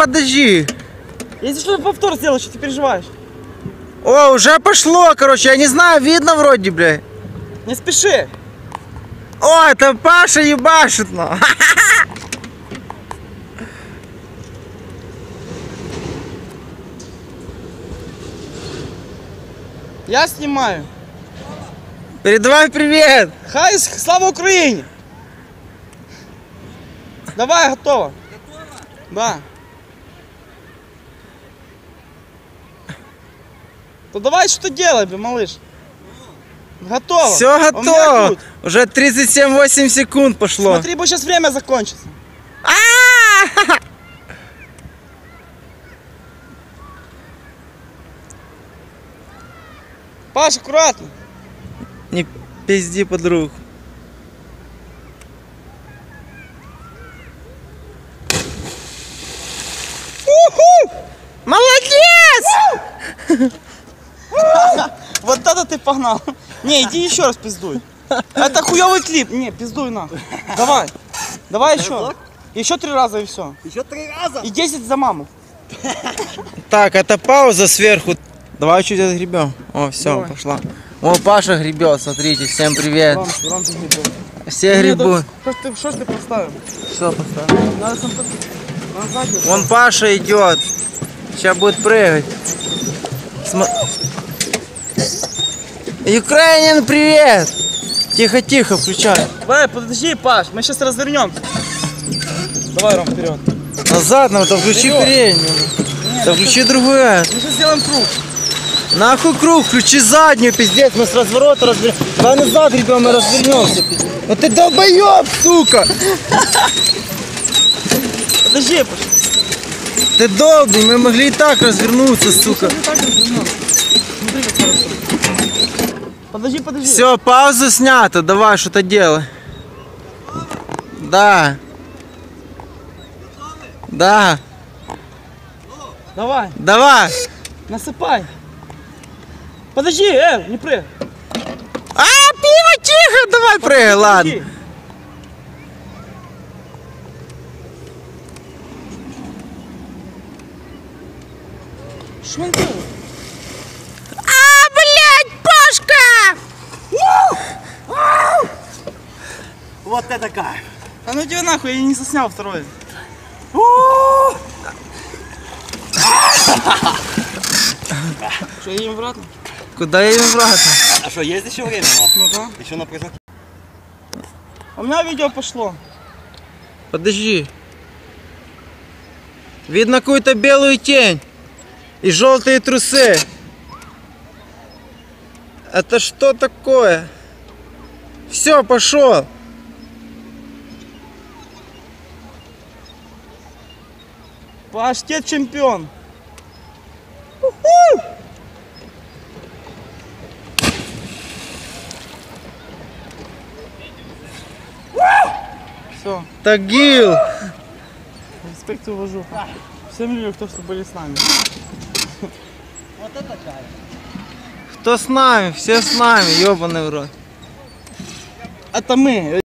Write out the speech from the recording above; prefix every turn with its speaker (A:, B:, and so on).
A: подожди.
B: Если что, повтор сделаешь, что ты переживаешь?
A: О, уже пошло, короче, я не знаю, видно вроде, бля.
B: Не спеши.
A: О, это Паша ебашит, ну.
B: Я снимаю.
A: Передавай привет.
B: Хай, слава Украине. Давай, готово. Готово? Да. То давай что делай, малыш. Готово.
A: Все готово. Уже 37-8 секунд пошло.
B: Смотри, бо сейчас время закончится. Паш, аккуратно.
A: Не пизди, подруг. Молодец!
B: Вот это ты погнал. Не, иди еще раз пиздуй. Это хуёвый клип. Не, пиздуй на. Давай. Давай еще. Еще 3 раза и все.
C: Еще 3 раза?
B: И 10 за маму.
A: Так, это пауза сверху. Давай чуть отгребем. О, все, пошла. О, Паша гребет, смотрите, всем привет.
B: Рамки гребет.
A: Все гребут.
B: Что ж ты поставил?
A: Что поставил?
B: Надо сам назад.
A: Вон Паша идет. Сейчас будет прыгать. Украинин, привет! Тихо, тихо, включай.
B: Давай, подожди, Паш, мы сейчас развернемся. Давай, Ром, вперед.
A: Назад надо, то включи переднюю. Да включи другую.
B: Мы сейчас сделаем круг.
A: Нахуй круг, включи заднюю, пиздец, мы с разворота разберем. Давай назад, ребят, мы развернемся. Ну ты долбоеб, сука!
B: Подожди, Паш.
A: Ты долбый, мы могли и так развернуться, сука.
B: Подожди, подожди.
A: Все, пауза снята, давай что-то делай. Да. Да.
B: Давай,
A: Давай.
B: насыпай. Подожди, не прыгай.
A: Пиво, тихо, давай прыгай, ладно.
B: Что он делает?
A: Блядь, Пашка!
C: Вот это кайф.
B: А ну иди нахуй, я не заснял второй. Что, едем обратно?
A: Куда едем обратно?
C: А что, есть еще время?
B: Ну да.
C: Еще на прыжок.
B: У меня видео пошло.
A: Подожди. Видно какую-то белую тень. И желтые трусы. Это что такое? Все, пошел.
B: Паштет чемпион. Все,
A: Тагил.
B: респект и уважуха. Всем людям, кто что были с нами.
C: Вот это кайф.
A: Кто с нами? Все с нами, ебаный в рот.
B: Это мы.